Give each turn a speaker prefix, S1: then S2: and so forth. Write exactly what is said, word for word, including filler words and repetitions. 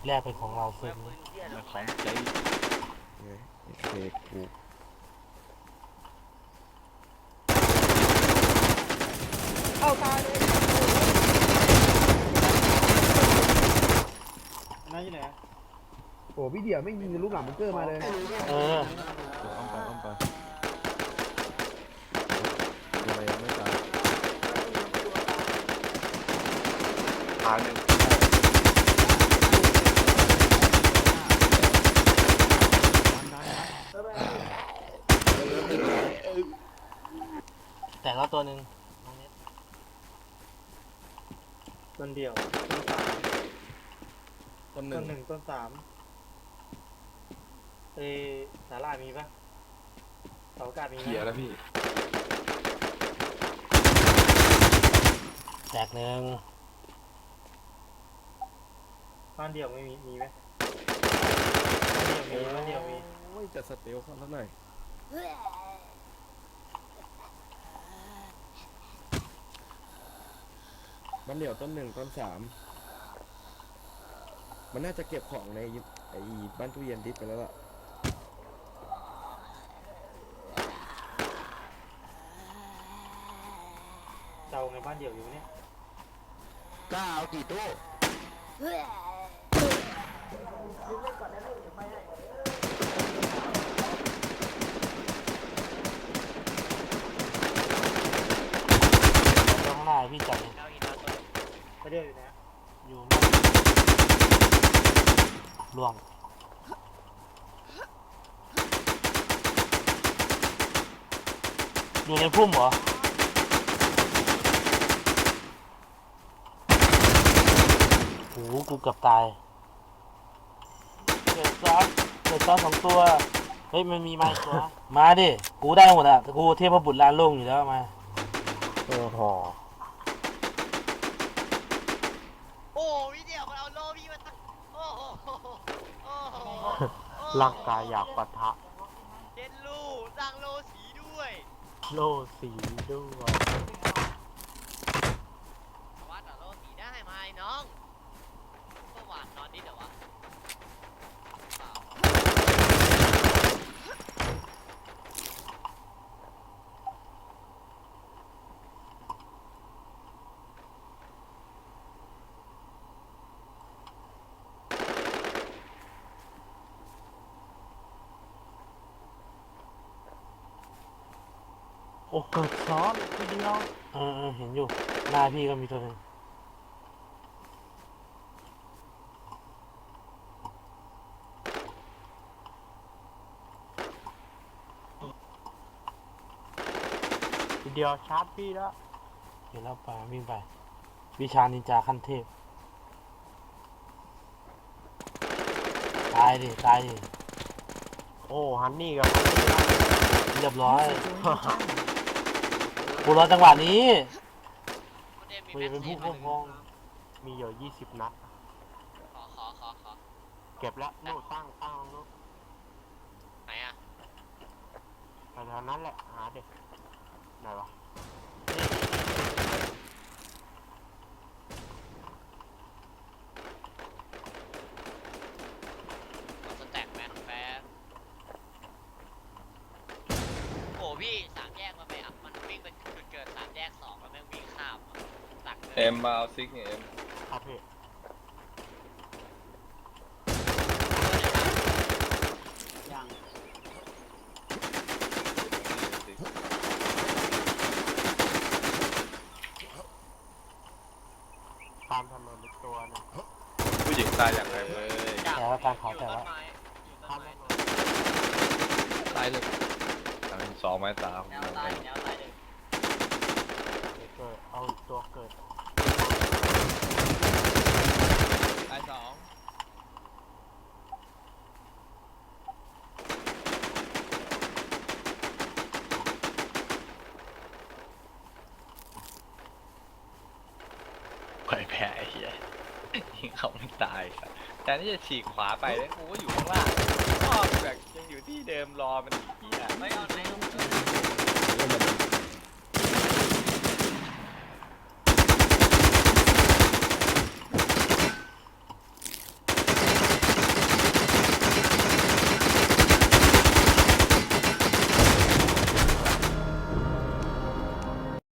S1: แรกเป็นของเราซึ่ง
S2: ของใจ
S3: เฮ้ยเค้กกู
S4: เข้าตายเลยนั่นอยู่ไหนโอ้พี่เดี่ยวไม่ยิงลูกหลังมันเกอร์มาเลย
S1: เออ
S3: อ้อมไปอ้อมไปทำไมยังไม่ตาย
S2: ทางหนึ่ง
S1: แต่แล้วตัวหนึ่ง
S4: ต้นเดียวต้นสามต้นหนึ่งต้นสามเอสาลามีปะเสาอากาศมีไหม
S2: เขียแล้วพี่
S1: แตกหนึ่ง
S4: บ้านเดียวไม่มีมีไหมบ้านเดียวมีบ้านเดียวมี
S3: โอ้ยจะสเตลเขาซะหน่อยบ้านเดี่ยวต้นหนึ่งต้นสามมันน่าจะเก็บของในไอ้บ้านตู้เย็นดิสไปแล้วล่ะ
S4: เจ้าในบ้านเดียวอยู่เนี่ย
S3: กล้าเอากี่ตู้
S1: ตรงหน้าพี่จับ
S4: ไม่เดียวอยู่นะ
S1: อยู่ล่วงอยู่ในพุ่มเหรอโอ้โหกูเกือบตายเกิดซ้อนเกิดซ้อนสองตัวเฮ้ยมันมีไม้ตัวมาดิกูได้หมดอ่ะกูเทพบุตรลานโล่งอยู่แล้วมาโอ้โห
S5: โอ้พี่เดี่ยวมันเอาโล่พี่มาตั้งโอ้โหโอ้โห
S1: ร่างกายอยากปะทะ
S5: เย็นลูสร้างโล่สีด้วย
S1: โล่สีด้วย
S5: วัดอะโล่สีได้ไหมน้องก็หวานนอนนิดเดี๋ยววะ
S1: โอ้เกิดซ้อนทีเดียวเออเออเห็นอยู่หน้าพี่ก็มีตัวหนึ่งทีเดียวชาร์จพี่แล้วเห็นแล้วไปวิ่งไปวิชานินจาขั้นเทพตายดิตายดิโอ้ฮันนี่กับเรียบร้อยกูรอจังหวะนี้กูจะเป็นผู้ควบคุมมีอยู่ยี่สิบนัด
S5: ขอขอขอขอ
S1: เก็บแล้วนู่ตั้งตั้งนู่น
S5: ไหนอะ
S1: แถวนั้นแหละหาเด็กไหนวะ
S5: สแต็กแมนแฟนโอ้พี่สามแยกมาไปอ่ะมันวิ่งไปจุดเกิดสามแยกสองแล้วแม่งวิ่งข้ามตักเลย
S2: เอ็มมาเอาซิกเนี่ยเอ็ม
S1: ครับพี่
S4: ยัง
S1: ตามถนนอีกตัวนึง
S2: ผู้หญิงตายอย่างไรเลย
S1: แต่ว่าการเขาแต่ว่า
S2: ตายเลยสองไม้สาม
S5: แนวตายแนวตายเลย
S1: เกิดเอาตัวเกิด
S2: ตายสองไปแพ้ไอ้เหี้ยยิงเขาไม่ตายแต่นี่จะฉีกขวาไปแล้วกูก็อยู่ข้างล่างก็แบบยังอยู่ที่เดิมรอมันเหี้ย